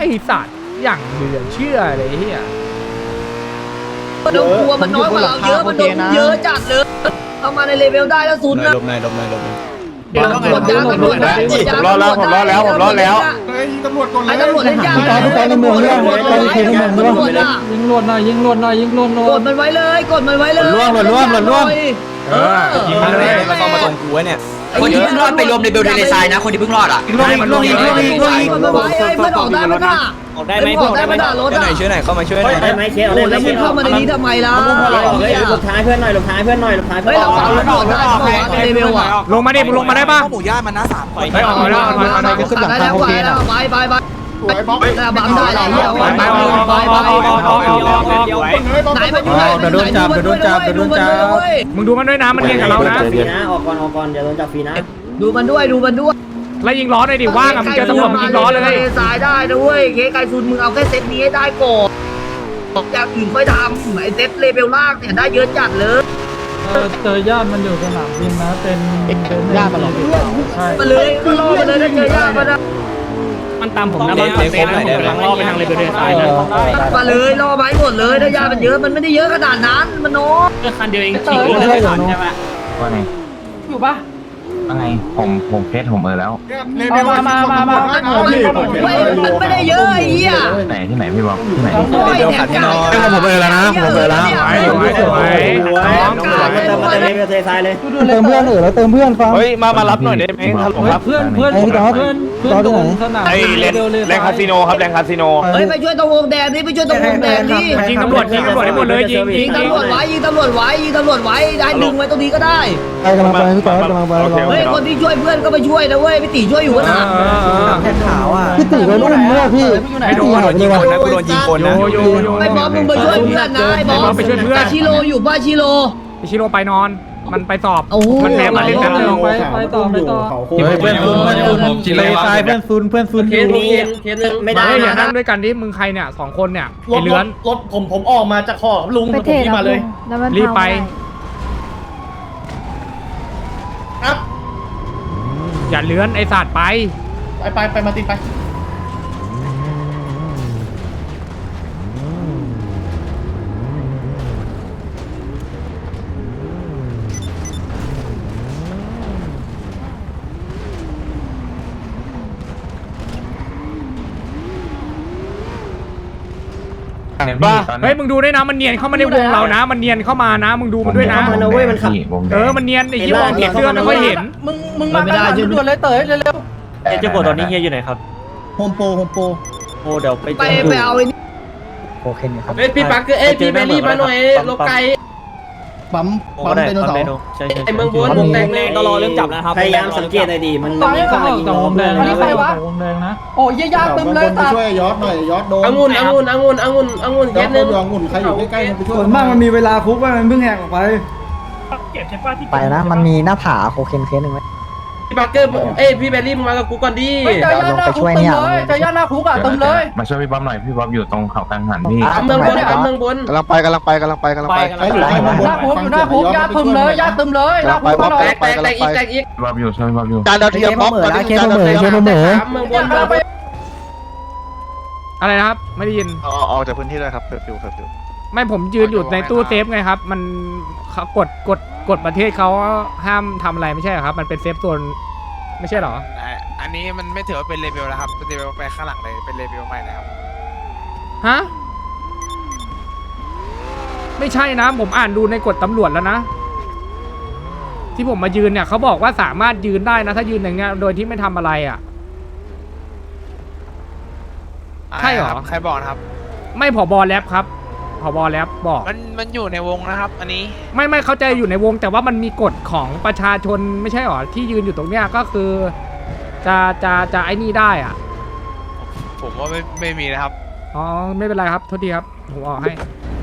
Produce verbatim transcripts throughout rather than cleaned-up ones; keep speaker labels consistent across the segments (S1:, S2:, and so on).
S1: สัตว์อย่างเหลือเชื่อเลยเฮีย
S2: มันโดนกลัวมันน้อยกว่าเราเยอะมันโดนเยอะจัดเลยเอามาในเลเวลได้แล้วศูนย์นะ
S3: ลบในลบในลบใน
S2: ตำรวจยางตำรวจนะ
S4: ผมรอแล้วผมรอแล้วผมรอแล้ว
S2: ไอ้ตำรวจก่อนเลยไอ้ตำรวจเล่นยาง
S5: ตอนทุกคนในเมืองเรื่องตอนทีในเมืองเรื่อง
S1: ยิงลวดหน่อยยิงลวดหน่อยยิงลวดหน่อย
S2: กดมันไว้เลยกดมันไว้เลย
S3: ล่วงหล่นล่วงหล่นล่วง
S2: เออ
S3: ยิงมาเลยมาต้องมาตรงกูไว้เนี่ย
S6: คนที่เพิ่งรอดไปรวมในเบลเดเลซายนะคนที่เพิ่งรอดอ่ะ
S3: ล่วงอีกล่วงอีกล่วงอีกล่วงอีก
S2: กดมันไว้ไอ้เพื่อนออกได้ไหมน่ะ
S4: ออกได้ไหม
S2: ออกได้ไหมน่ะรถ
S3: ช่วยห
S2: อ่ะ
S3: น่อยช่วยหน่อยเข้ามาช่วยหน่อย
S4: ได้ไหมเคส
S2: โอ้แล้วมึงเข้ามาในนี้ทำไมล่ะ
S4: หลบท้ายเพื่อนหน่อยหลบท้ายเพื่อนหน่อยหลบท้ายเพื่
S2: เฮ้
S4: อย น
S2: เราฟังตำรวจได้บอกว่าในเลเวลอ่ะ
S1: ลงมาดิมึงลงมาได้ปะ
S3: หมูย่ามันนะสามคน
S1: ไปออกแล้วถอยถอยถอย
S5: ขึ้นหลัง
S2: ได้
S5: คา
S2: แล้ว
S5: โอ
S2: ไป
S5: เค
S2: แล้
S5: นะ
S2: วไปไปไปแต่บังได้แล้วเหี้ย
S1: ไปไปออกออกออกออกออกออกออกออก
S2: ไหนมันอยู่ไหนมึ
S1: มึงดูมันด้วยนะมันเรียนกับเรานะ
S4: ฟรีนะออกก่อนออกก่อนอย่าโดนจับฟรีนะ
S2: ดูมันด้วยดูมันด้วย
S1: แล้วยิงล้อหน่อยดิว่างอะมึงเจอตำรวจมึงยิงล้อเลย
S2: สายได้นะเว้ยเคไกซุนมึงเอาแค่เซตนี้ให้ได้ก่อนอย่างอื่นค่อยทำไอ้เซตเลเวลล่างเนี่ยได้เยอะจัดเลย
S7: เจอญาติมันอยู่สนามบินนะเป็นเป็นญาติมันหรอใช่
S2: มาเลยก็รอมาเลยถ้าเจอยากมานะ
S1: มันตามผมนะบ้านคอนเซ็ปต์นะผมกำลังล่อไปทางเลเวลเดสายนะ
S2: มาเลยรอไม้หมดเลยถ้ายามันเยอะมันไม่ได้เยอะขนาดนั้นมันน้อย
S1: คันเดียวเอง
S7: เตยเลยเหรอใช่ไหม
S8: ว่าไง
S7: อยู่ปะ
S8: ว่าไงผมผมเฟซผมเออแล้ว
S7: มามามามา
S2: มันไม่ได้เยอะไอ้เหี้ย
S8: ที่ไหนที่ไหนพี่บอกที่ไหน
S2: โอ้ยแถมจ่าย
S3: ผมเออแล้วนะผมเออแล้ว
S1: ไว้ไว้ไว้น้อง
S4: มาเติมมาเติมเบลเดเลซายเลย
S5: เติมเพื่อนเออแล้วเติมเพื่อนฟัง
S4: เฮ้ยมามารับหน่อยได้ไหมครับผมครับ
S7: เพื่อนเพื่อนเพื่อนเพื่อนสนาม
S4: ไอ้แรงแรงคาสิโนครับแรงคาสิโน
S2: เฮ้ยไปช่วยตรงวงแดงนี่ไปช่วยตรงวงแดงนี่
S1: ยิงตำรวจยิงตำรวจให้หมดเลยยิงยิ
S2: ยิ
S1: ง
S2: งตำรวจไว้ยิงตำรวจไว้ยิงตำรวจไว้ได้ดึงไว้ตรงนี้ก็ได้
S5: ไปกำลังไปพี่ต๊อดกำลังไป
S2: เฮ้ยคนที่ช่วยเพื่อนก็ไปช่วยนะเว้ยพี่ตีช่วยอยู่นะ
S3: แค่ขาวอ่ะ
S5: พี่ติ๋วโดนอุ้มเมื่อพี่พี่ติ๋วหายไปเลยวะ
S3: นะกูโดนยิงคนนะ
S1: โยโยโย
S2: ไอ้บอสมึงไปช่วยเพื่อนนะไอ้บอสแต่ชิโร่อยู่บ้านชิโร่
S1: ชิโร่ไปนอนมันไปสอบ
S2: โอ้
S1: มันแพ้มาเล่นกันเลย
S7: ไปไปต่อไปต่อ
S5: เพื่อนซุนเพื่อนซุนเลซายเพื่อนซุนเพื่อนซุน
S4: เคสนี้เคสนึงไม่ได้
S1: ไม่อย่า
S4: นะ
S1: นั่งด้วยกันดิมึงใครเนี่ยสองคนเนี่ยไอ้เลื้อน
S7: รถผมผมออกมาจากขอบลุง
S9: ไปเทรดมาเลย
S1: รีบไป
S7: ครับ
S1: อย่าเลื้อนไอ้สัตว์ไป
S7: ไปไปไปมาติดไป
S8: บ้า
S1: เฮ้ยมึงดูด้วยนะมันเนียนเข้ามาในวงเรานะ มันเนียนเข้ามานะมึงดูมันด้วยนะ
S4: มันเอาเว้ยมันขับ
S1: เออมันเนียนไอ้ยี่ห้อเก็บเสื้อไม่ค่อยเห็น
S7: มึงมึงมาไม่ได้ด่วนเลยเต๋อเร็ว
S4: เจ้าโกตอนนี้เฮียอยู่ไหนครับ
S5: โฮมโปรโฮมโปร
S4: โอ้เดี๋ยวไป
S2: ไปไปเอาไอ้นี่
S5: โอเคครับ
S4: เฮ้ยพี่ปักเอ้ยพี่เบลลี่มาหน่อยโลไก
S5: ปั๊มปั๊มไดโนเสาร์
S4: ใช่ไอเมืองบนวงแดงแรงตลอดเรื่องจับนะครับพยายามสังเกตหน่อยดีมัน
S7: ๆไป
S4: มี
S7: ต่
S4: ข้างใน
S7: อ
S4: ยิง
S7: ต่อ
S4: ล้
S7: ว
S4: อง ม
S7: แด
S4: เลย
S7: ง
S4: นะ
S7: นี่ใครวะวงแดงนะโอ้ยยากตึมเลยตา
S5: ช่วยยอดหน่อยยอดโดน
S4: องุ่นองุ่นองุ่นองุ่นองุ่นเคสนึง
S5: องุ่นใครอยู่ใกล้ๆมันไปช่วย
S7: ส่วนมากมันมีเวลาคุกว่ามันเพิ่งแหกออกไป
S5: ไปนะมันมีหน้าผาโคเคนเคสหนึ่งไหม
S4: พี่ปักเกอร์เอ้ยพี่เบลลี่มากับกูก่อนดิ
S7: เจอย่าหน้าคุกตึมเลยเจอย่าหน้าคุกอ่ะตึมเลย
S8: มาช่วยพี่บ๊อบหน่อยพี่บ๊อบอยู่ตรงเขากลางหันพี่
S4: ตามเมืองบนตามเมืองบน
S5: กำลังไปกำลังไปกำลังไปกำลังไปใครอยู่
S7: ห
S5: ใกล้มาบน
S7: น้าคุกอยู่หน้าคุกยาตึมเลยยาตึมเลยหน้าคุกมาหน่อ
S4: แต
S7: ย
S4: กแตกแตกอีกแตกอีก
S8: พี่บ๊อบอยู่ช่วยพี่บ๊อบอยู่
S5: จานดาวเทียมบล็อกตอนนี้จานดาวเทียม
S4: ตามเมืองบน
S1: อะไรนะครับ ไม่ได้ยิน
S5: ออกจากพื้นที่เลยครับเคอร์ฟิวเคอร์ฟิว
S1: ไม่ผมยืนอยู่ในตู้เซฟไงครับ มันเขากดกดกดประเทศเขาห้ามทำอะไรไม่ใช่เหรอครับ มันเป็นเซฟโซนไม่ใช่เหรอ
S10: อันนี้มันไม่ถือว่าเป็นเลเวลแล้วครับเป็นเลเวลไปข้างหลังเลยเป็นเลเวลใหม่นะครับ
S1: ฮะไม่ใช่นะ ผมอ่านดูในกฎตำรวจแล้วนะ ที่ผมมายืนเนี่ยเขาบอกว่าสามารถยืนได้นะ ถ้ายืนอย่างเงี้ยโดยที่ไม่ทำอะไรอ่ะ ใช่เหรอ
S10: ใครบอกนะครับ
S1: ไม่ผบแรปครับผบแรปบอก
S10: มันมันอยู่ในวงนะครับ อันนี้
S1: ไม่ไม่เข้าใจอยู่ในวงแต่ว่ามันมีกฎของประชาชนไม่ใช่หรอที่ยืนอยู่ตรงเนี้ยก็คือ จะจะจะไอ้นี่ได้อ่ะ
S10: ผมว่าไม่ไม่มีนะครับ
S1: อ๋อไม่เป็นไรครับโทษทีครับผมออกให้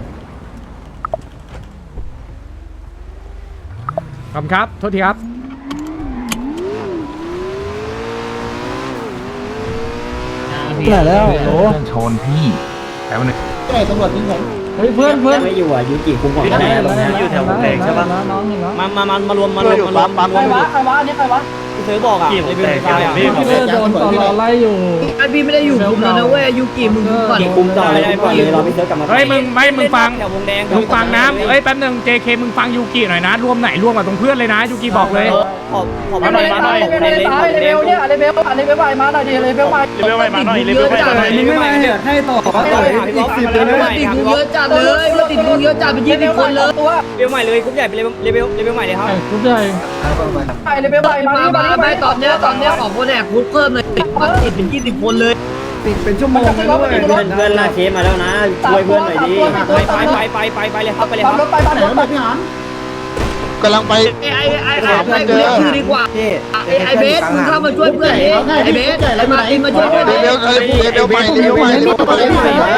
S1: ขอบคุณครับโทษทีครับ
S5: ไหนแล้วโอ้
S8: เพื่อนชนพี่แป๊บนึง
S5: ไหนตำรวจยิงผม
S7: เฮ้ยเพื่อนเพื่อน
S4: ไม่อยู่อ่ะยูกิคุมของแน่ตรงนี้อยู่แถววงแดงใช่ปะ
S7: น้องเห็นแล้ว
S4: มามามามารวมมารวมมารวม
S7: ใครวะใครวะอันนี้ใครวะ
S4: คเธอบอกอ่ะเลเวลไฟอ่ะ
S7: พี่เลิศโดนตลอไล่อยู่
S2: ไอพี่ไม่ได้อยู่คุมแล้วนะเว้ยยูกิมึงคุมก่อน
S4: คุมต่อไม่ได้ปล่อยเลยรอพี่เธอกลับมา
S1: เฮ้ยมึงไม่มึงฟัง
S4: แถววงแดง
S1: มึงฟังนะเอ้ยแป๊บนึง เจ เค มึงฟังยูกิหน่อยนะรวมไหนรวมกับตรงเพื่อนเลยนะยูกิบอกเลย
S4: ขอขอมาหน่อยมาหน่อยเลเวลเลเวลเนี่ย
S7: เลเวลเลเวลไปมาหน่อยดิเลเวลไป
S2: เลเวลไปมาหน่อยเลเวลไปมาหน่อย
S4: มึงไม่มาเหตุให้ต่อต่ออีกสิบเลเวลใหม่
S2: ติดกูเยอะจัดเลยมันติดกูเยอะจัดเป็นยี่สิบคนเลย
S4: เลเวลใหม่เลยกรุ๊ปใหญ่เป็นเลเวลเลเวลเลเวลใหม่เลยครับ
S7: ทุกใหญ่ไปเลเวลไปมา
S2: มา
S7: ดิมา
S2: มา
S7: ดิ
S2: ไม่ตอนเนี้ยตอนเนี้ยออกคนแอกคุกเพิ่มเลยมันติดเป็นยี่สิบคนเลย
S7: เป็นชั่วโมงเลยด้วย
S4: เพื่อนเพื่อนลากเคสมาแล้วนะช่วยเพื่อนหน่อยดิไปไปไปไปไปเลยครับไปเลยครับ
S7: รถไปบ้านรถไปพี่หาน
S9: กำลังไป
S2: ไอ้ไอ้ไอ้ไอ้เรียกชื่อดีกว่าไอ้ไอ้เบสมึงเข้ามาช่วยเพื่อนดิไอ้เบสไอ้มาตินมาช่วยเพื่อน
S9: เล
S2: ดิ
S9: เวลเลเวลใหม่เลเวลใหม่เลเวลใหม่เลเวลใหม่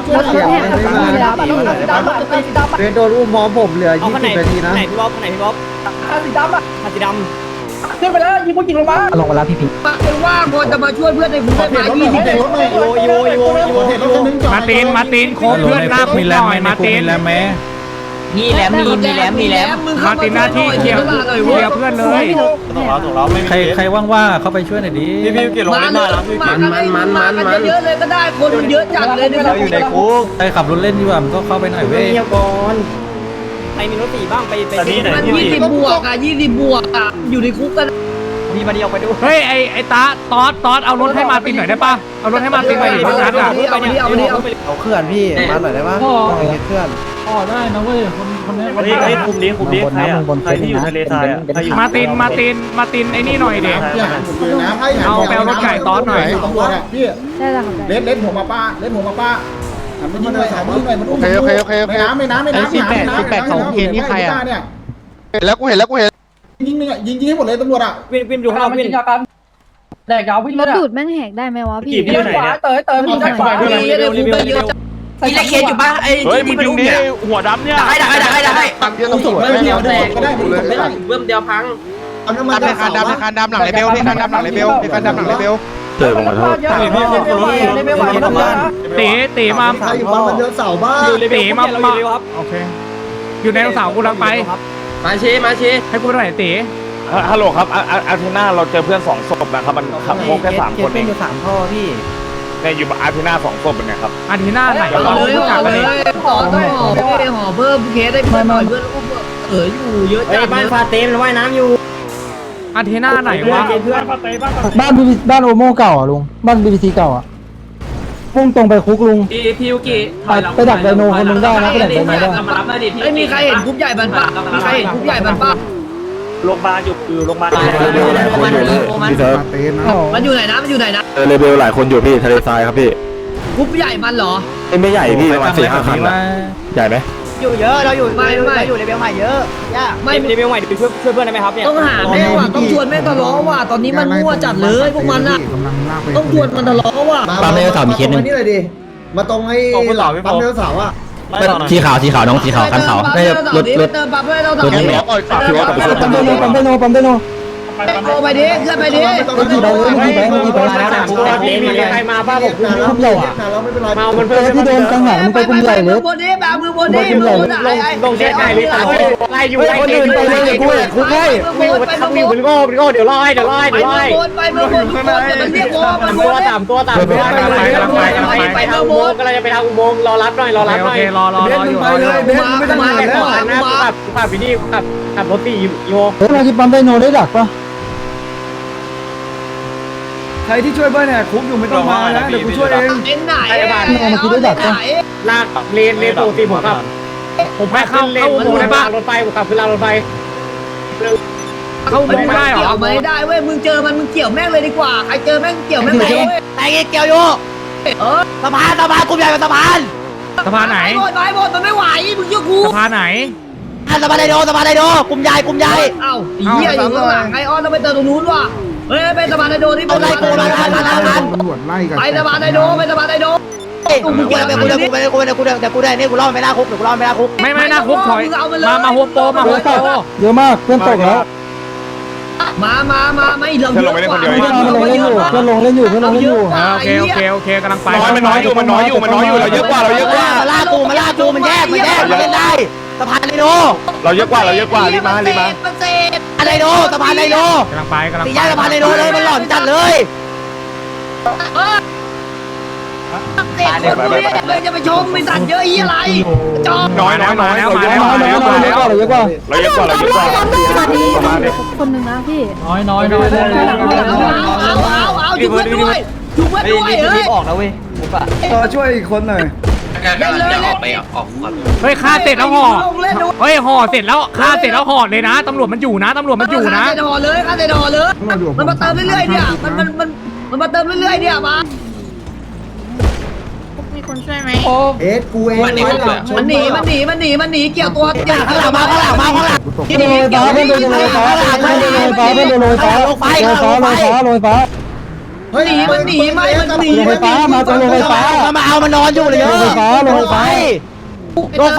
S5: เรนโดนอุ้มพร้อมผมเหลือ
S4: เอา
S5: ยี่
S4: คนไหน
S5: สิบนาทีนะ
S4: ไหนพี่บ๊อบคนไหนพี่บ๊อบ
S7: สีดำอ่ะ
S4: คันสีด
S7: ขึ้นไปแล้วยิงผู้หญิงลงมา
S5: ลงมาแล้วพี่พิง
S2: ไอ้ว่างพอจะมาช่วยเพื่อนในคุกได้ไหมยี่สิบคน
S4: ำอีโวอีโวอีโวอีโวอีโว
S1: มาตินมาตินโค้ชเพื่อนหน้าคุกหน่อยมาติน
S6: มีแหลมมีมีแหลมมีแหลม
S1: มาตินหน้าที่เคลียร์เคลียร์เพื่อนเลย
S3: ใครใครว่างๆเข้าไปช่วยหน่อยดิ
S2: พี่พี่เกี่ยวกับมาแล้วมันมันมันมันเยอะเลยก็ได้คนมันเยอะจัดเลยเนี่ย
S3: เราอยู่ในคุกใครขับรถเล่นอยู่อ่ะมันก็เข้าไปหน่อยเว้ย
S4: เงียบก่อนใครมีรถสีบ้างไปไปที่ไหน
S2: มันยี่สิบบวกอ่ะยี่สิบบวกอ่ะอยู่ในคุกกัน
S4: มีมาเดียวไปดู
S1: เฮ้ยไอไอตาตอสตอสเอารถให้มาตินหน่อยได้ปะเอารถให้มาตินไปดิเพราะงั้นอ่ะ
S2: เอาไปดิเอาไปดิเอาไปดิ
S3: เอาเคลื่อนพี่มาหน่อยได้ปะเคลื่อน
S7: อ๋อได้นะเว้ยคนคนนี้
S5: เฮ้ยคุมนี้คุมนี้ใครอ่ะใครที่อยู่ทะเลทรายอ่ะ
S1: มาตินมาตินมาตินไอ้นี่หน่อยเด็ก เอาไปเอารถใหญ่ตอนหน่อย
S9: พี่เล่นเล่นหัวมาป้าเล่นหัวมาป้าหันไปยิงหน่อยหันไปยิงหน่อยมันอุ้มโอเคโอเคโอเคไม่น้ำไม่น้ำไม่น้ำสิบแปดสิบแปดของเคนนี่ใครอ่ะเนี่ยเห็นแล้วกูเห็นแล้วกูเห็นยิงยิงยิงให้หมดเลยตำรวจอ่ะ
S4: วินวินอยู่ข้างนอกวิน
S7: แดกยาววิ่ง
S11: ร
S7: เลย
S11: ถดูดแม่งแหกได้ไหมวะพี่
S7: พี่ขวาเตยเตยพี่ขวา
S2: มีเยอะเลยคุกกันเยอะจัด
S6: มีเลขเคสอยู่ป่ะไอ้ที่มันอุ้มเนี่ย
S9: หัวดำเนี่ย
S6: ได้ได้ได้ได้ได้
S9: ตังเดียวตำรวจไม่เดียวแตกก็ได้ผมไม่ได้
S6: เบิ่มเดียวพัง
S9: เอาน้ำมันคันดำคันดำหลังเลเบลพี่คันดำหลังเลเบลพี่คันดำหลังเลเบล
S7: เจอผมขอโทษพี่พี่พี่พี่ไม่ไหวแล้วนะ
S1: ตีตีมา
S9: ใครอยู่บ้านมันเดินเสาบ้า
S1: ตีมามาโอเคอยู่ในเสากูลังไป
S6: มาเชมาเช
S1: ให้กูหน่อยตี
S8: ฮัลโหลครับอาร์เทน่าเราเจอเพื่อนสองศพนะครับมันขับโค้งแค่สามคนเอง
S3: อยู่สามท่อพี่
S8: ในอยู่อาร์เทน่าสองศพเป็นไงครับ
S1: อาทิตย์หน้าไหน
S2: ห่อเลยห่อเลยห่อต้องห่อเพื่อห่อเพิ่มเคสได้เพิ่มหน่อยเพื่อนอุ้มเอออยู่เยอะ
S4: เฮ้
S2: จั
S4: ย
S2: ด
S4: บ้านฟาเต้มันว่ายน้ำอยู่
S1: อาทิตย์หน้าไหนวะ
S4: เพื่อน
S5: บ้านบีบ้านโอโม่เก่าอ่ะลุงบ้านบีบีซีเก่าอ่ะพุ่งตรงไปคุกลุง
S6: พี่พี่ยูกิ
S5: ไปดักไดโนคนนึงได้นะไปดักไดโนได้
S6: มารับหน่อยดิพี่
S2: ไม่มีใครเห็นคุกใหญ่บันปะมีใครเห็นคุกใหญ่บันปะ
S3: โรงพยาบาลอยู่อยู่โรงพยาบาล
S6: มันมัน
S9: พี่เซิร์ฟ
S2: มันอยู่ไหนนะมันอยู่ไหนนะ
S9: เลเบลหลายคนอยู่พี่ทะเลทรายครับพี่
S2: คุกใหญ่มันเหรอ
S9: ไม่ใหญ่พี่ประมาณสี่ห้าคันใหญ่ไหม
S4: อยู่เยอะเราอยู่
S2: ไม่ไม่
S4: อยู่เลเวลใหม่เยอะย่า
S2: ไม่
S4: เลเวลใหม่ช่วยช่วยเพื่อนได้ไหมครับเนี่ย
S2: ต้องหาแม่ว่ะต้องชวนแม่ทะเลาะว่ะตอนนี้มันมั่วจัดเลยพวกมันอ่ะต้องชวนมันทะเลาะว่ะ
S3: ปั๊มเมลสาวมีเคสหนึ่ง
S9: นี่เลยดิมาตรงไอ้ปั๊มเมลสาวอ่ะ
S3: สีขาวสีขาวน้องสีขาวคันขาวได้รถรถ
S2: เติมปั๊มด้วยเรา
S3: รถ
S2: ทำ
S3: นี่
S9: ปล่อยฝากพี่ว่ากับ
S5: ปั๊มไดโนปั๊มไดโนปั๊มไดโน
S2: โไปดิขึ้นไปดิ
S5: มันกี่ใบเลยมันกี่ใบมันกี่ใบ
S4: ใครมาป้าผม
S5: คุมใหญ่
S9: เราไม่เป็นไร
S4: มามัน
S5: เจอที่โดนกังหันมึงไปคุมใหญ่เลย
S2: บนนี้แบบมือบนนี้มือบนไหน
S4: ลงเช็คไหนพี่ตาไล่อยู่
S5: คนอื่นไปเลยกูแหละคุกให้
S2: มือบนไปมือบน
S4: มันโง่มันโง่เดี๋ยวไล่เดี๋ยวไล่
S2: ไป
S4: เดี๋ยว
S2: มื
S4: ไล่
S2: อบนไปมือบนทุกคนอย่ามันเรียกว่ามัน
S4: ตัวต่ำตัวต่ำไปทางอุโมงค์กำลังจะไปทางอุโมงค์รอรับหน่อยรอรับห
S1: โอ
S4: น่อย
S1: เครอรอรออยู่รออยู่
S2: เบสไม่ต้องมาแล้ว
S4: นะขับขับพี่นี่ขับขับรถตีโย
S5: เฮ้ยมาที่ปั๊มไดโนได้ดักปะ
S3: ใครที่ช่วยเบิ้ลเนี่ยคุกอยู่ไม่ต้องมานะเดี๋ยวกูช่วยเอง
S2: เอ็นไหน
S4: ลากเลนเลนปกติผมขับ
S1: ผมให้เข้าเข้าอุโมงค์ได้ปะ
S4: รถไฟผมขับขึ้นรางรถไฟ
S1: เข้าอุโมงค์ไม่ได้เหรอ
S2: เกี่ยวไม่ได้เว้ยมึงเจอมันมึงเกี่ยวแม่งเลยดีกว่าใครเจอแม่งเกี่ยวแม่งเลย
S6: ไอ้เกี่ยวอยู่
S2: เออ
S6: สะพานสะพานกลุ่มใหญ่เป็นสะพาน
S1: สะพานไหน
S2: หมดไปหมดมันไม่ไหวมึงเชื่อกู
S1: สะพานไหน
S6: สะพานไดโนสะพานไดโนกลุ่มใหญ่กลุ่มใหญ่
S2: เอ้าเหี้ยอยู่ข้างหลังไอออนต้องไปเติมตรงนู้นว่ะเฮ้ยไปสะพานไดโดนี่
S6: เอาไล่กูมาทันทันทันทัน
S9: ตำรวจไล่กัน
S2: ไปสะพานไดโดไปสะพานไดโด
S6: กูกูได้กูได้กูได้กูได้กูได้แต่กูได้นี่กูรอดไม่ได้คุกกูรอดไม่ได้คุก
S1: ไม่ไม่น่าคุกถอยมามาโฮมโปรมาโฮมโปร
S5: เยอะมากเพื่อนตกแล้ว
S2: มามามาไม่เราเยอะกว่า
S5: เพื่อนลงเล่นอยู่เพื่อนลงเล่นอยู่เพื่อนลงเล่นอยู่
S1: โอเคโอเคโอเคกำลังไป
S9: น้อยมันน้อยอยู่มันน้อยอยู่มันน้อยอยู่เราเยอะกว่าเราเยอะกว่า
S6: มาล่ากูมาล่ากูมันแยกมันแยกมันเล่นได้สะพานไดโน
S8: เราเยอะกว่าเราเยอะกว่ารีบมารีบมา
S2: มันเศษ
S6: อะไรโนสะพานไดโน
S1: กำลังไปกำลัง
S6: สี่
S1: ไป
S6: แยกสะพานไดโนเลยมันหลอนจัดเลย
S2: เศษคนพวกนี้เลยจะไปชมไม่สั่นเยอะอีอะไรจอม
S8: น้อยน้อยน้อย
S1: แล้ว
S8: เรา
S1: มา
S8: เยอะ
S1: แล้ว
S8: กว่า
S1: มาแล้วมาแล้ว
S5: เราเยอะกว่า
S8: เราเยอะกว่าเราเยอะกว่า
S11: สวัสดีคนหนึ่งนะพี่
S7: น้อยน้อยน้อย
S2: เอาเอาเอาเอาอยู่เพื่อนด้วยอยู่เพื่อนด้วยเฮ้ย
S6: ออกนะเว้ย
S3: ต่อช่วยอีกคนหน่อย
S2: เล่นเลยเล่น
S1: เฮ้ยฆ่าเสร็จแล้วห่อ
S2: ลงเล่นดู
S1: เฮ้ยห่อเสร็จแล้วฆ่าเสร็จแล้วห่อเลยนะตำรวจมันอยู่นะตำรวจมันอยู่นะ
S2: ข้าเตดอเลยข้าเตดอเลย มันมาเติมเรื่อยๆเนี่ยมันมันมันมันมาเติมเรื่อยๆเนี่ยมา
S11: มีคนช่วยไหม
S9: เอ็ดกูเอง
S2: มันหนีมันหนีมันหนีมันหนีมันหนีเกี่ยวตัว
S6: ข้างหลังมาข้างหลังมาข้างหลัง
S5: เพื่อนโดนฟ้าเพื่อนโดนฟ้าเพื่อนโดนฟ้าเพื่อนโดนฟ้าลงไฟลงฟ้าลงฟ้าลงฟ้า
S9: เฮ้ย
S2: หนีมันหนีไม่มันหนี
S5: ลงไฟฟ้ามาตรงลงไฟฟ้า
S6: มาเอามานอนอยู่เลยเยอะ
S5: ลงไฟฟ้าลงไฟฟ้า
S6: ลงไฟ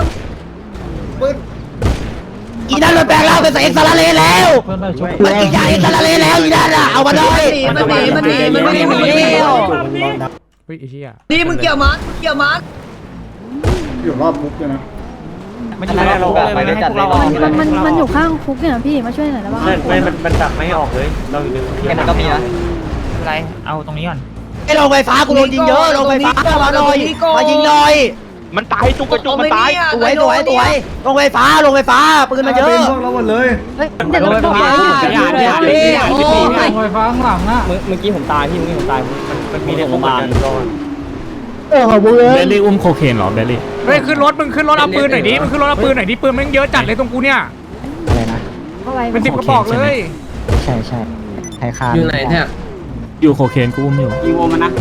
S6: อีนั่นมันแปลงร่างเป็นเอ็กซ์ซาเลแล้ว
S7: เพื่อนได้ชุบ
S6: มันกินยาเอ็กซ์ซาเลแล้วอีนั่นอ่ะเอามาหน่อย
S2: มันหนีมันหนีมันหนีมันหนีมันหนี
S1: เฮ้ยไอ้เหี้ย
S2: นี่มึงเกี่ยวมันเกี่ยวมัน
S9: อยู่รอบคุกเลยนะ
S4: มันอยู่ในโลกไปด้วยกันเลย
S11: มันมันมันอยู่ข้างคุกเนี่ยพี่มาช่วยหน่อยได้ป่ะ
S4: ไม่มันมันดักไม่ออกเลยเราอยู่ใน
S6: มันก็มีนะ
S4: อะไรเอาตรงนี้ก่อน
S6: ไอ้ลงไฟฟ้ากูโดนยิงเยอะลงไฟฟ้ามาหน่อยมายิงหน่อย
S8: มันตายจุกกระจุกมันตาย
S6: สวยสวยสวยลงไฟฟ้าลงไฟฟ้าปืนมันเยอะ
S3: เป็นพวกเราหมดเลย
S11: เฮ้ยเดี๋ยวเราต้องไป
S7: อย่าอย่าอย่าโอ้ยไฟฟ้าข้างหลังอ่ะ
S4: เมื่อกี้ผมตายพี่เมื่อกี้ผมตายมันมันมีในโรงพยาบาล
S5: เออขอบคุณเลย
S1: เบลลี่อุ้มโคเคนหรอเบลลี่เฮ้ยขึ้นรถมึงขึ้นรถเอาปืนหน่อยดิมึงขึ้นรถเอาปืนหน่อยดิปืนมันเยอะจัดเลยตรงกูเนี่ย
S5: อะไรนะ
S11: เข้าไป
S1: เป็นสิบกระบอกเลย
S5: ใช่ใช่ไทยคาน
S4: อยู่ไหนเนี่ย
S1: อยู่โคเคนกูอุ้มอยู่
S4: อีโวมันนะ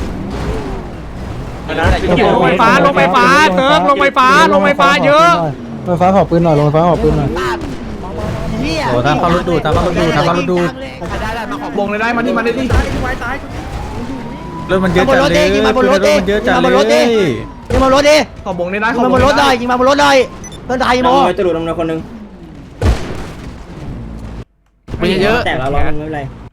S1: ลงไฟฟ้าลงไฟฟ้าเซิร์ฟลงไฟฟ้าลงไฟฟ้าเยอะ
S5: ลงไฟฟ้าขอปืนหน่อยลงไฟฟ้าขอปืนหน่อย
S6: โอ้ทำเขารถดูทำเขารถดูทำเขารถดู
S9: วงเลยได้มานี่มาเลยดิ
S6: รถมันเยอะจัดเลยยิงมาบนรถดิยิงมาบนรถดิยิงมาบนรถดิ
S9: ขอบวงเลยได้
S6: ยิงมาบนรถหน่อยยิงมาบนรถหน่อยเพื่อนไทยโม
S4: จะดูดน้ำหนักคนนึง
S10: ไม่เยอะ
S4: แต่เราเราไม่เป็นไร